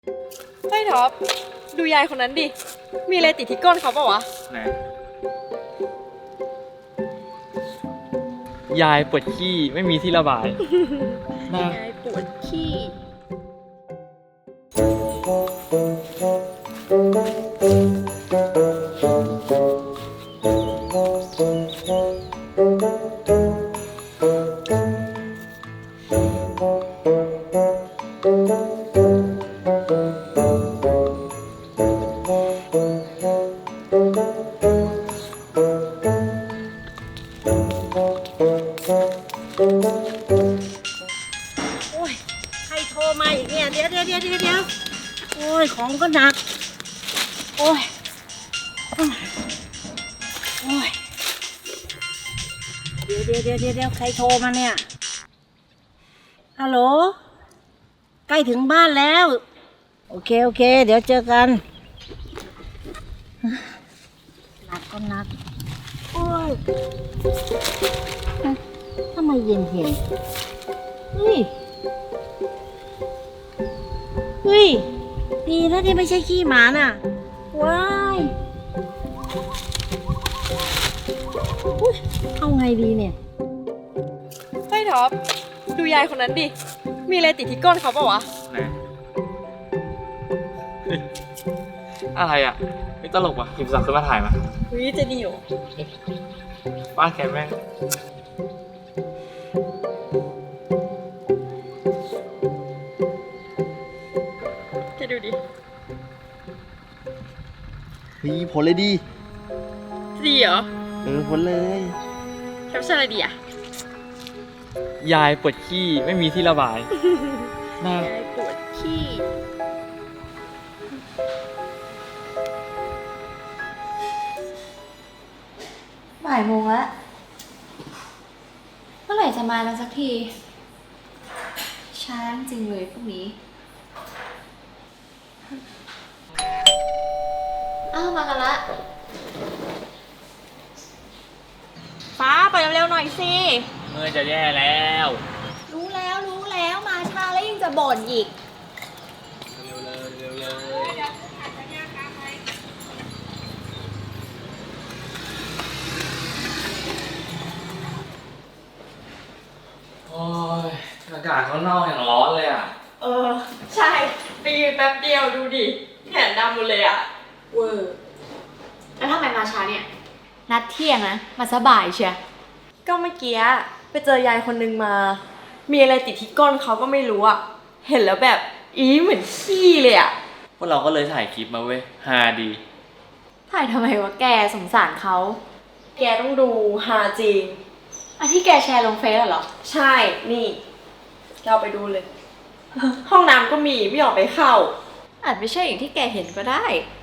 เฮ้ยท็อปดูยายคนนั้นดิมีอะไรติดที่ก้นเขาเปล่าวะไหนยายปวดขี้ไม่มีที่ระบายยายปวดขี้โอ้ยใครโทรมาอีกเนี่ยเดี๋ยวโอ้ยของก็หนักโอ้ยเดี๋ยวใครโทรมาเนี่ยฮัลโหลใกล้ถึงบ้านแล้วโอเคเดี๋ยวเจอกันหนักก็หนักโอ้ยทำไมเย็นเฮ้ยดีนะที่ไม่ใช่ขี้หมาน่ะว้ายอุ๊ยเอาไงดีเนี่ยเฮ้ยท็อปดูยายคนนั้นดิมีอะไรติดที่ก้นเขาเปล่าวะไหนอะไรอ่ะไม่ตลกว่ะหยิบสักขึ้นมาถ่ายมาวิจะดีอยู่บ้านแกแม่งแกดูดิผลเลยดีดีเหรอผลเลยแคปชั่นอะไรดีอะยายปวดขี้ไม่มีที่ระบายน่ายายปวดขี้บ่ายโมงแล้วเมื่อไหร่จะมาแล้วสักทีช้าจริงเลยพวกนี้อ้าวมากันละฟ้าไปเร็วๆหน่อยสิเมื่อจะแย่แล้วรู้แล้วมาช้าแล้วยังจะบ่นอีกเร็วโอ้ยอากาศข้างนอกอย่างร้อนเลยอ่ะใช่ไปยืนแป๊บเดียวดูดิแขนดำหมดเลยอะเวอร์แล้วทำไมมาช้าเนี่ยนัดเที่ยงนะมาสบายเชียก็เมื่อกี้ไปเจอยายคนนึงมา มีอะไรติดที่ก้นเขาก็ไม่รู้อะเห็นแล้วแบบเหมือนขี้เลยอะพวกเราก็เลยถ่ายคลิปมาเว้ยฮาดีถ่ายทำไมวะแกสงสารเขาแกต้องดูฮาจริงอันที่แกแชร์ลงเฟซเหรอใช่นี่เราไปดูเลย ห้องน้ำก็มีไม่ยอมไปเข้าอาจไม่ใช่อย่างที่แกเห็นก็ได้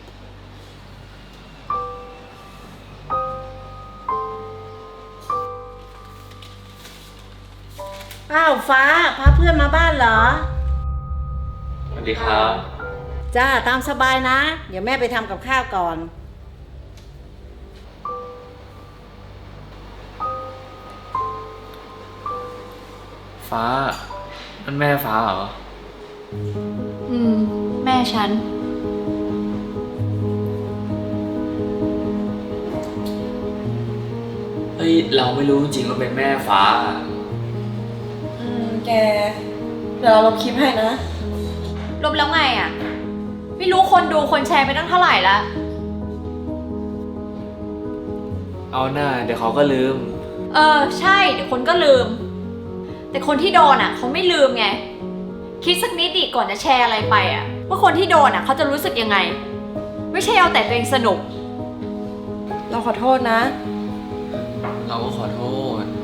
อ้าวฟ้าพาเพื่อนมาบ้านเหรอสวัสดีครับจ้าตามสบายนะ เดี๋ยวแม่ไปทำกับข้าวก่อนฟ้านั่นแม่ฟ้าเหรอแม่ฉันเฮ้ยเราไม่รู้จริงๆว่าเป็นแม่ฟ้าแกเดี๋ยวเราลบคลิปให้นะลบแล้วไงอ่ะ ไม่รู้คนดูคนแชร์ไปตั้งเท่าไหร่ละเอาหน้าเดี๋ยวเขาก็ลืมใช่เดี๋ยวคนก็ลืม แต่คนที่โดนอ่ะเขาไม่ลืมไง คิดสักนิดดิก่อนจะแชร์อะไรไปอ่ะว่าคนที่โดนอ่ะเขาจะรู้สึกยังไง ไม่ใช่เอาแต่ตัวเองสนุกเราขอโทษนะเราก็ขอโทษ